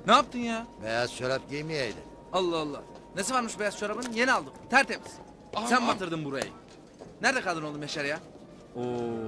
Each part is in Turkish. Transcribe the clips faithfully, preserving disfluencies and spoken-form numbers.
Ne yaptın ya? Beyaz çorap giymeyeydin. Allah Allah. Nesi varmış beyaz çorabın? Yeni aldım. Tertemiz. Aman. Sen batırdın burayı. Nerede kaldın oğlum Yaşar ya? Oo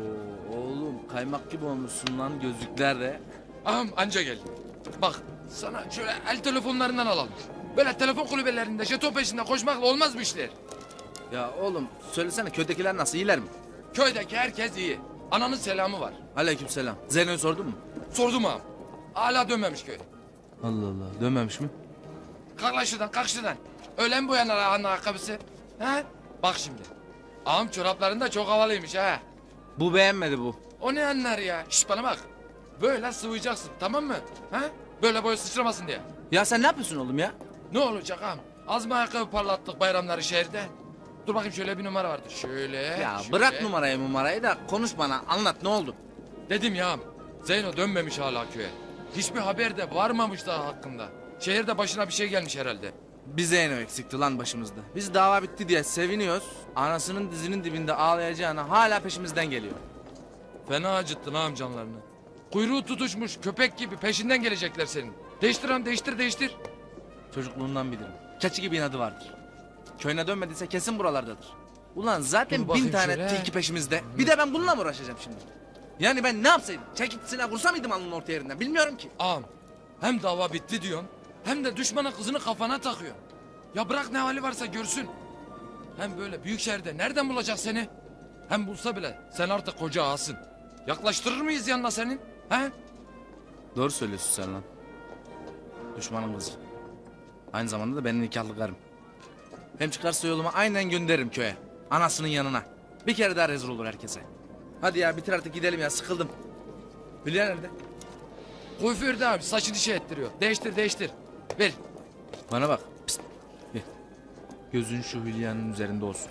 oğlum kaymak gibi olmuşsun lan gözlükler de. Ağam anca geldi. Bak sana şöyle el telefonlarından alalım. Böyle telefon kulübelerinde jeton peşinde koşmakla olmaz bu işler. Ya oğlum söylesene köydekiler nasıl, iyiler mi? Köydeki herkes iyi. Ananın selamı var. Aleykümselam. Zeyno'yu sordun mu? Sordum ağam. Hala dönmemiş köy. Allah Allah, dönmemiş mi? Kalk lan şuradan, kalk şuradan. Öyle mi boyanar ağanın ayakkabısı? He? Bak şimdi. Ağam çorapların da çok havalıymış ha. Bu beğenmedi bu. O ne anlar ya? Şş bana bak. Böyle sıvayacaksın tamam mı? Ha? Böyle boya sıçramasın diye. Ya sen ne yapıyorsun oğlum ya? Ne olacak ağam? Az mı ayakkabı parlattık bayramları şehirde? Dur bakayım şöyle bir numara vardı. Şöyle. Ya şöyle. bırak numarayı numarayı da konuş bana, anlat ne oldu? Dedim ya ağam. Zeyno dönmemiş hala köye. Hiçbir haber de varmamış daha hakkında. Şehirde başına bir şey gelmiş herhalde. Bir Zeyno eksikti lan başımızda. Biz dava bitti diye seviniyoruz. Anasının dizinin dibinde ağlayacağına hala peşimizden geliyor. Fena acıttın ağam canlarını. Kuyruğu tutuşmuş köpek gibi peşinden gelecekler senin. Değiştir ağam değiştir değiştir. Çocukluğundan bilirim. Keçi gibi inadı vardır. Köyüne dönmediyse kesin buralardadır. Ulan zaten Dur bin bakayım tane şöyle. tilki peşimizde. Bir de ben bununla mı uğraşacağım şimdi? Yani ben ne yapsaydım? Çekip silah vursa mıydım alnının orta yerinden? Bilmiyorum ki. Ağam hem dava bitti diyorsun hem de düşmana kızını kafana takıyorsun. Ya bırak ne hali varsa görsün. Hem böyle büyük şehirde nereden bulacak seni? Hem bulsa bile sen artık koca ağasın. Yaklaştırır mıyız yanına senin? He? Doğru söylüyorsun sen lan. Düşmanın kızı. Aynı zamanda da benim nikahlı karım. Hem çıkarsa yoluma aynen gönderirim köye. Anasının yanına. Bir kere daha rezil olur herkese. Hadi ya bitir artık gidelim ya, sıkıldım. Hülya nerede? Kuaförde abi saçını şey ettiriyor. Değiştir değiştir. Ver. Bana bak. Pist. Gel. Gözün şu Hülya'nın üzerinde olsun.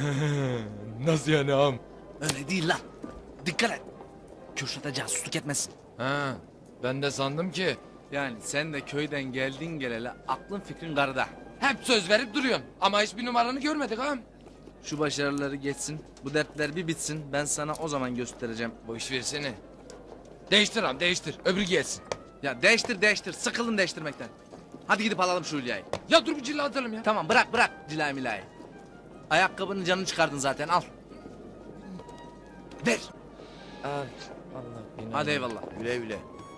Nasıl yani ağam? Öyle değil lan. Dikkat et. Kürşat'a casusluk etmesin. Ha, ben de sandım ki Yani sen de köyden geldin geleli aklın fikrin karıda. hep söz verip duruyorsun. Ama hiçbir numaranı görmedik ağam. Şu başarıları geçsin, bu dertler bir bitsin. Ben sana o zaman göstereceğim. Bu iş versene. Değiştir ağam değiştir. Öbürü gelsin. Ya değiştir değiştir, sıkıldım değiştirmekten. Hadi gidip alalım şu Hülya'yı. Ya dur bir cilla atalım ya. Tamam bırak bırak cilayı milayı. Ayakkabının canını çıkardın zaten, al. Ver. Ay, Allah beni. Hadi eyvallah. Güle güle.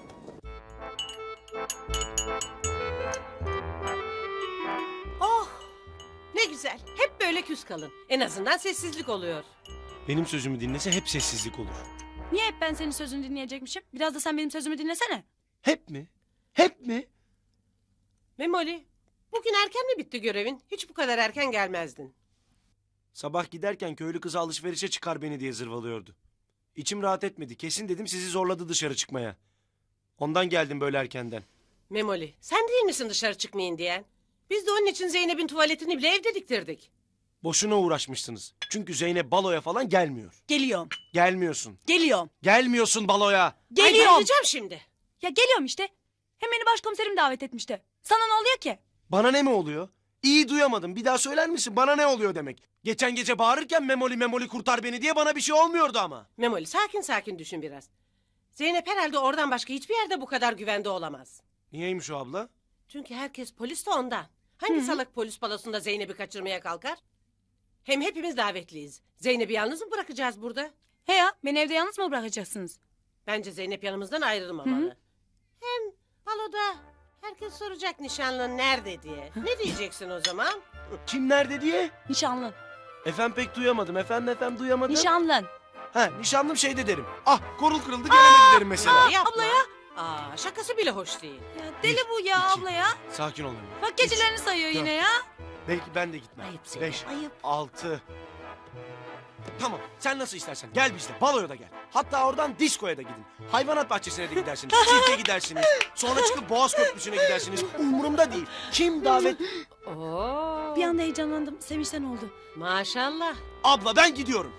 Oh! Ne güzel. Hep böyle küs kalın. En azından sessizlik oluyor. Benim sözümü dinlese hep sessizlik olur. Niye hep ben senin sözünü dinleyecekmişim? Biraz da sen benim sözümü dinlesene. Hep mi? Hep mi? Memoli, bugün erken mi bitti görevin? Hiç bu kadar erken gelmezdin. Sabah giderken köylü kızı alışverişe çıkar beni diye zırvalıyordu. İçim rahat etmedi. Kesin dedim sizi zorladı dışarı çıkmaya. Ondan geldim böyle erkenden. Memoli, sen değil misin dışarı çıkmayın diyen? Biz de onun için Zeynep'in tuvaletini bile evde diktirdik. Boşuna uğraşmışsınız. Çünkü Zeynep baloya falan gelmiyor. Geliyorum. Gelmiyorsun. Geliyorum. Gelmiyorsun baloya. Ay, Geliyorum. bayılacağım şimdi. Ya geliyorum işte. Hem beni başkomiserim davet etmişti. Sana ne oluyor ki? Bana ne mi oluyor? İyi duyamadım. Bir daha söyler misin? Bana ne oluyor demek? Geçen gece bağırırken memoli memoli kurtar beni diye bana bir şey olmuyordu ama. Memoli, sakin sakin düşün biraz. Zeynep herhalde oradan başka hiçbir yerde bu kadar güvende olamaz. Niyeymiş o abla? Çünkü herkes polis de ondan. Hangi salak polis balosunda Zeynep'i kaçırmaya kalkar? Hem hepimiz davetliyiz. Zeynep'i yalnız mı bırakacağız burada? He ya, beni evde yalnız mı bırakacaksınız? Bence Zeynep yanımızdan ayrılmamalı. Hem baloda herkes soracak nişanlın nerede diye. Ne diyeceksin o zaman? Kim nerede diye? Nişanlın. Efendim pek duyamadım. Efendim efendim duyamadım. Nişanlın. Ha nişanlım şeyde derim. Ah korul kırıldı gelemedi derim mesela. Yapma. abla ya. Aa, şakası bile hoş değil. Ya deli bu ya iki. abla ya. Sakin ol Emine. Bak gecelerini sayıyor dört. yine ya. Belki ben de gitmem. Ayıp Zeynep, Beş, ayıp. altı. Tamam sen nasıl istersen gel bizle baloya da gel. Hatta oradan diskoya da gidin. Hayvanat bahçesine de gidersiniz. Sirke gidersiniz. Sonra çıkıp Boğaz Köprüsü'ne gidersiniz. Umurumda değil. Kim davet... Oo. Bir anda heyecanlandım. Sevinçten oldu. Maşallah. Abla ben gidiyorum.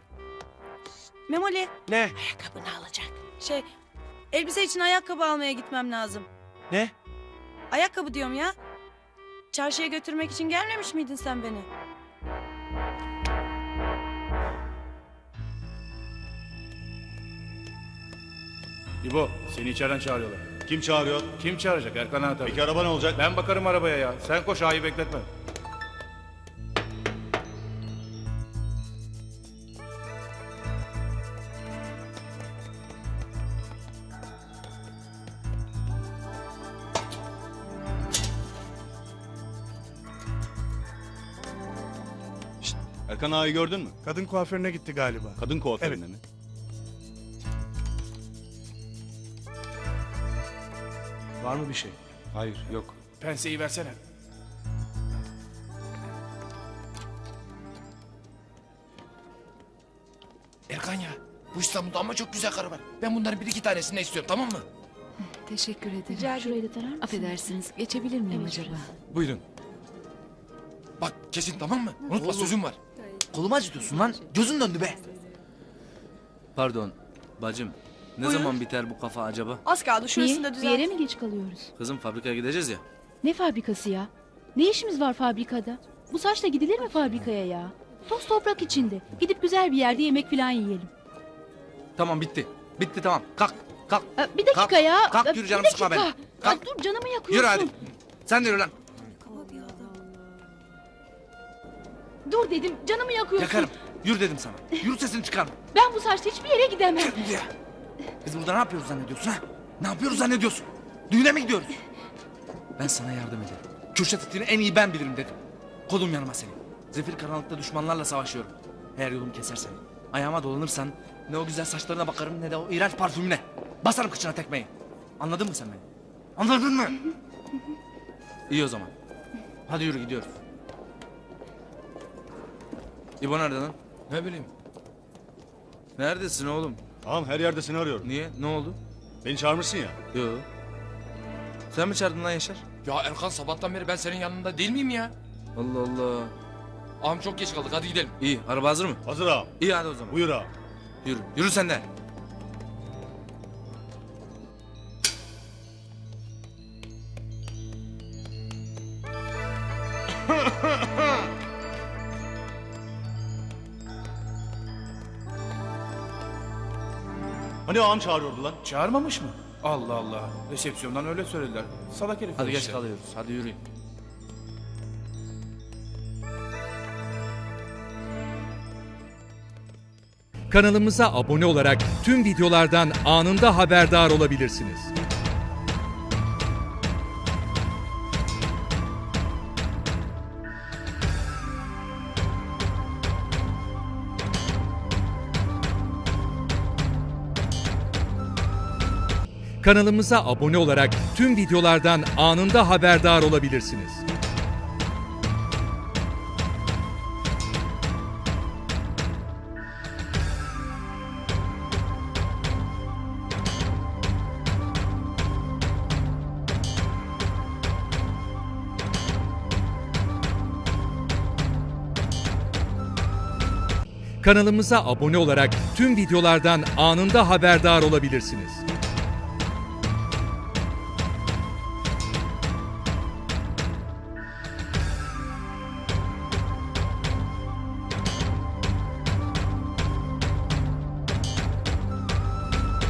Memoli, Ne? Ayakkabını alacak. şey, elbise için ayakkabı almaya gitmem lazım. Ne? Ayakkabı diyorum ya. Çarşıya götürmek için gelmemiş miydin sen beni? İbo, seni içeriden çağırıyorlar. Kim çağırıyor? Kim çağıracak Erkan ağa tabii. Peki araba ne olacak? Ben bakarım arabaya ya. Sen koş ağayı bekletme. Şşt, Erkan ağayı gördün mü? Kadın kuaförüne gitti galiba. Kadın kuaföründe Evet. mi? Var mı bir şey? Hayır, yok. Penseyi versene. Erkan ya, bu İstanbul'da ama çok güzel karı var. Ben bunların bir iki tanesini istiyorum, tamam mı? Teşekkür ederim. Rica Şurayı da tarar mısın? Affedersiniz. Geçebilir miyim acaba? Buyurun. Bak kesin tamam mı? Unutma sözüm var. Kolumu acıtıyorsun lan. Gözün döndü be. Pardon bacım. Ne zaman biter bu kafa acaba? Az kaldı şurasını da Niye? Bir düzelt. yere mi geç kalıyoruz? Kızım fabrikaya gideceğiz ya. Ne fabrikası ya? Ne işimiz var fabrikada? Bu saçla gidilir mi fabrikaya ya? Toz toprak içinde. Gidip güzel bir yerde yemek falan yiyelim. Tamam bitti. Bitti tamam. Kalk. Kalk. Aa, bir dakika Kalk, ya. kalk, Aa, yürü bir canım, dakika. sıkma beni. Kalk. Aa, dur canımı yakıyorsun. Yürü hadi. Sen de yürü lan. Dur dedim canımı yakıyorsun. Yakarım. Yürü dedim sana. Yürü sesini çıkarma. Ben bu saçla hiçbir yere gidemem. Yürü ya. Biz burada ne yapıyoruz zannediyorsun ha? Ne yapıyoruz zannediyorsun? Düğüne mi gidiyoruz? Ben sana yardım ederim. Kürşat itini en iyi ben bilirim dedim. Kolum yanıma senin. Zefir karanlıkta düşmanlarla savaşıyorum. Eğer yolumu kesersen, ayağıma dolanırsan ne o güzel saçlarına bakarım ne de o iğrenç parfümüne. Basarım kıçına tekmeyi. Anladın mı sen beni? Anladın mı? İyi o zaman. Hadi yürü gidiyoruz. İbo nerede lan? Ne bileyim. Neredesin oğlum? Tamam, her yerde seni arıyorum. Niye? Ne oldu? Beni çağırmışsın ya. Yo. Sen mi çağırdın lan Yaşar? Ya Erkan sabahtan beri ben senin yanında değil miyim ya? Allah Allah. Ağam çok geç kaldık, hadi gidelim. İyi. Araba hazır mı? Hazır ağam. İyi hadi o zaman. Buyur ağam. Yürü. Yürü sen de. Hani ağam çağırıyordu lan? Çağırmamış mı? Allah Allah. Resepsiyondan öyle söylediler. Salak herif. Hadi geç işte. kalıyoruz. Hadi yürüyün. Kanalımıza abone olarak tüm videolardan anında haberdar olabilirsiniz. Kanalımıza abone olarak tüm videolardan anında haberdar olabilirsiniz. Kanalımıza abone olarak tüm videolardan anında haberdar olabilirsiniz.